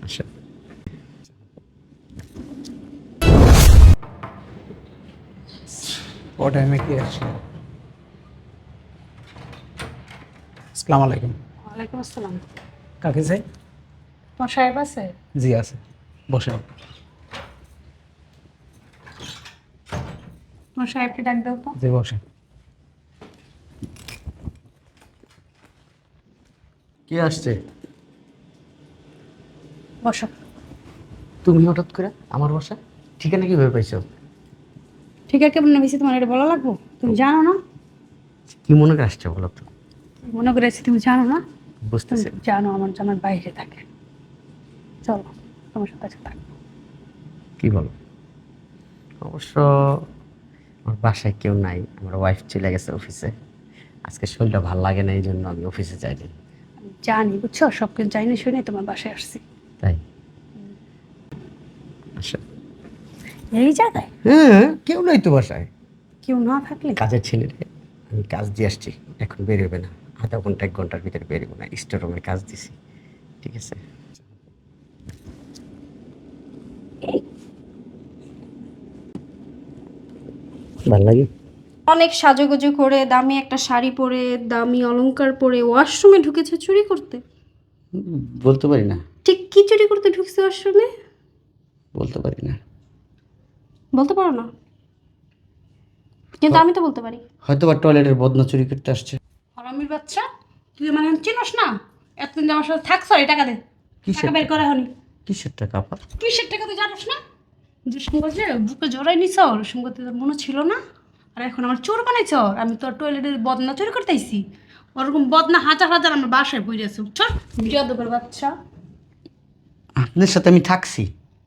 আচ্ছা ও টাইমে কি আসছে? আসসালামু আলাইকুম। ওয়ালাইকুম আসসালাম। কাকে চাই? তোমার সাহেব আছে? জি আছে, বসেন। তোমার সাহেবকে ডাক দাও তো। জি বসেন। কে আসছে? বসো। তুমি হঠাৎ করে আমার বাসায় ঠিকানা কিভাবে পাইছো? ঠিক আছে, কেমন বেশি তোমার এটা বলা লাগবো? তুমি জানো না? কি মনে করে আসছে বলো তো? মনে করেছি তুমি জানো না? তুমি বুঝতেছি। জানো আমার জানার বাইরে থাকে। চলো তোমার সাথে আছে থাকবো। কি বলো? অবশ্য আমার বাসায় কেউ নাই, আমার ওয়াইফ চলে গেছে অফিসে। আজকে শরীরটা ভালো লাগে না, এই জন্য আমি অফিসে যাইনি। আমি জানি, বুঝছো, সব কিছু জানি শুনে তোমার বাসায় আসছি। তাই আচ্ছা। এই জায়গায় হ্যাঁ, কেউ নাই তো বাসায়। কেউ না থাকলে কাজের ছেলেরে আমি কাজ দিয়ে আসছি, এখন বেরোবে না, আধা ঘন্টা 1 ঘন্টার ভিতরে বেরোবে না, স্টোর রুমে কাজ দিছি। ঠিক আছে? ভালো লাগে। অনেক সাজুগুজু করে দামি একটা শাড়ি পরে দামি অলংকার পরে ওয়াশরুমে ঢুকেছে চুরি করতে। বলতে পারি না, ঠিক কি চুরি করতে ঢুকছে ওয়াশরুমে? বলতে পারি না। বলতে পারো না, কিন্তু আমি তো বলতে পারি। হয়তো বা টয়লেটের বদনা চুরি করতে আসছে। হারামির বাচ্চা, তুই মানে চিনস না? এতদিন যে আমার সাথে থাকছ, এই টাকা দে। কিসের টাকা বের করে হনি। কিসের টাকা আপা? কিসের টাকা তুই জানিস না? যে সঙ্গে বুকে জড়াই নিছ, ওর সঙ্গে তোর মনে ছিল না? আর এখন আমার চোর বানাইছ। আমি তোর টয়লেটের বদনা চুরি করতে আইছি। ওরকম বদনা হাজার হাজার আমার বাসায় বই আছে। চল, বিয়াদবের বাচ্চা। আপনার সাথে আমি থাকছি।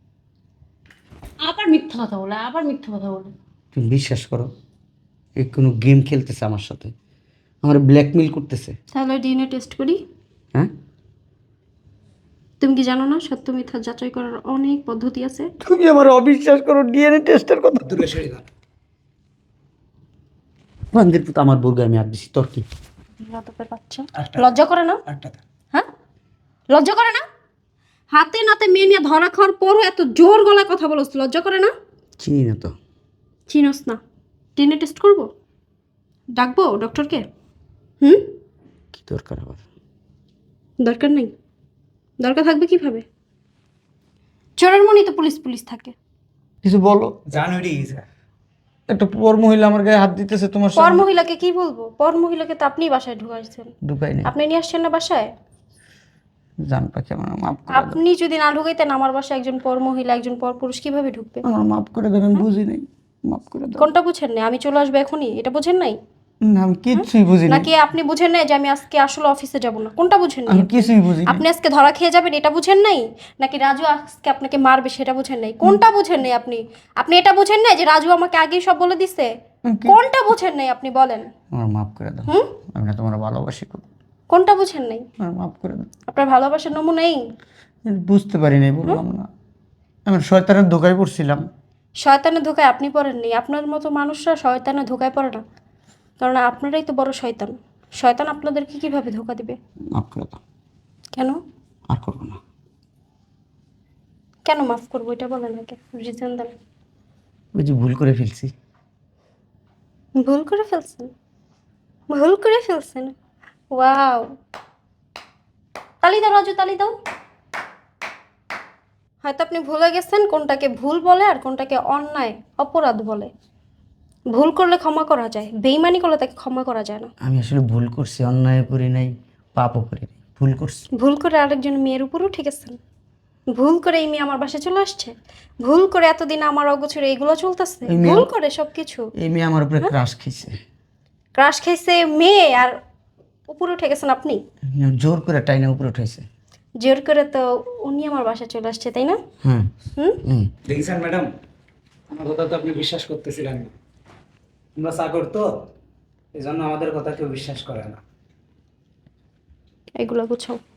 আবার মিথ্যা কথা বলে, আবার মিথ্যা কথা বলে। তুমি বিশ্বাস করো, এ কোনো গেম খেলতেছে আমার সাথে, আমার ব্ল্যাকমেল করতেছে। তাহলে ডিএনএ টেস্ট করি। হ্যাঁ, তুমি কি জানো না সত্য মিথ্যা যাচাই করার অনেক পদ্ধতি আছে? তুমি আমার অবিশ্বাস করো, ডিএনএ টেস্টের কথা। দূরে সরে যান। বান্দির পুত আমার বউকে আমি আর দিছি, তোর কি? বিয়াদবের বাচ্চা। আটটা। লজ্জা করে না? আটটা। হ্যাঁ, লজ্জা করে না? হাতে নাতে মেয়ে নিয়ে ধরা খাওয়ার পরও এত জোর গলায় কথা বলছ, লজ্জা করে না? চিনি না তো। চিনোস না? ডিএনএ টেস্ট করবো? ডাকবো ডক্টরকে? হুম, কি দরকার আবার? দরকার নেই। দরকার থাকবে কিভাবে? চোরের মনি তো পুলিশ পুলিশ থাকে। কিছু বলো। জানুয়ারি একটা পর মহিলা আমার গায়ে হাত দিতেছে তোমার পর সামনে। মহিলাকে কি বলবো? পর মহিলাকে তো আপনিই বাসায় ঢুকাইছেন। ঢুকাই নাই। আপনি নিয়ে আসছেন না বাসায়? জান পাখি, আমার মাফ করে দাও। আপনি যদি না ঢুকাইতেন আমার বাসায় একজন পর মহিলা একজন পর পুরুষ কিভাবে ঢুকবে? আমার মাফ করে দেবেন, আমি বুঝি নাই, মাফ করে দাও। কোনটা বুঝেন নাই? আমি চলে আসবো এখনই, এটা বুঝেন নাই? না, আমি কিছুই বুঝি নাই। নাকি আপনি বুঝেন নাই যে আমি আজকে আসলে অফিসে যাব না? কোনটা বুঝেন নাই? আমি কিছুই বুঝি নাই। আপনি আজকে ধরা খেয়ে যাবেন এটা বুঝেন নাই? নাকি রাজু আজকে আপনাকে মারবে সেটা বুঝেন নাই? কোনটা বুঝেন নাই আপনি? আপনি এটা বুঝেন নাই যে রাজু আমাকে আগেই সব বলে দিছে? কোনটা বুঝেন নাই আপনি বলেন? আমার মাফ করে দাও। হুম? আমি না তোমার ভালোবাসি খুব। কোনটা বুঝেন নাই? আমার মাফ করে দাও। আপনার ভালোবাসার নমুনাই। বুঝতে পারি নাই, বললাম না, আমি শয়তানের ধোকায় পড়ছিলাম। শয়তানের ধোকায় আপনি পড়েননি। আপনার মতো মানুষরা শয়তানের ধোকায় পড়ে না, কারণ আপনারাই তো বড় শয়তান। শয়তান আপনাদেরকে কিভাবে ধোকা দিবে? মাফ করে দাও, কেন? আর করবো না। কেন মাফ করবো এটা বলেন আগে, রিজন দেন। ওই যে ভুল করে ফেলছি। ভুল করে ফেলছেন? ভুল করে ফেলছেন? ওয়াও! তালি দাও রাজু, তালি দাও। হয়তো আপনি ভুলে গেছেন কোনটাকে ভুল বলে আর কোনটাকে অন্যায় অপরাধ বলে। ভুল করলে ক্ষমা করা যায়, বেইমানি করলে তাকে ক্ষমা করা যায় না। আমি আসলে ভুল করছি, অন্যায় করি নাই, পাপও করি নাই, ভুল করছি। ভুল করে আরেকজন মেয়ের উপরও ঠেকেছেন। ভুল করে এই মেয়ে আমার বাসায় চলে আসছে। ভুল করে এতদিন আমার অগোচরে এইগুলো চলতেছে। এই মেয়ে- ভুল করে সবকিছু। এই মেয়ে আমার উপরে ক্রাশ খেয়েছে। ক্রাশ খাইছে মেয়ে আর উপরে উঠে গেছেন আপনি। জোর করে টাইনা উপরে উঠেছে। জোর করে তো উনি আমার বাসায় চলে আসছে, তাই না? হ্যাঁ। হুম? হুম। দেখেছেন ম্যাডাম, আমার কথা তো আপনি বিশ্বাস করতেছিলেন না। আমরা চাকর তো, এই জন্য আমাদের কথা কেউ বিশ্বাস করে না। এগুলো গুছাও।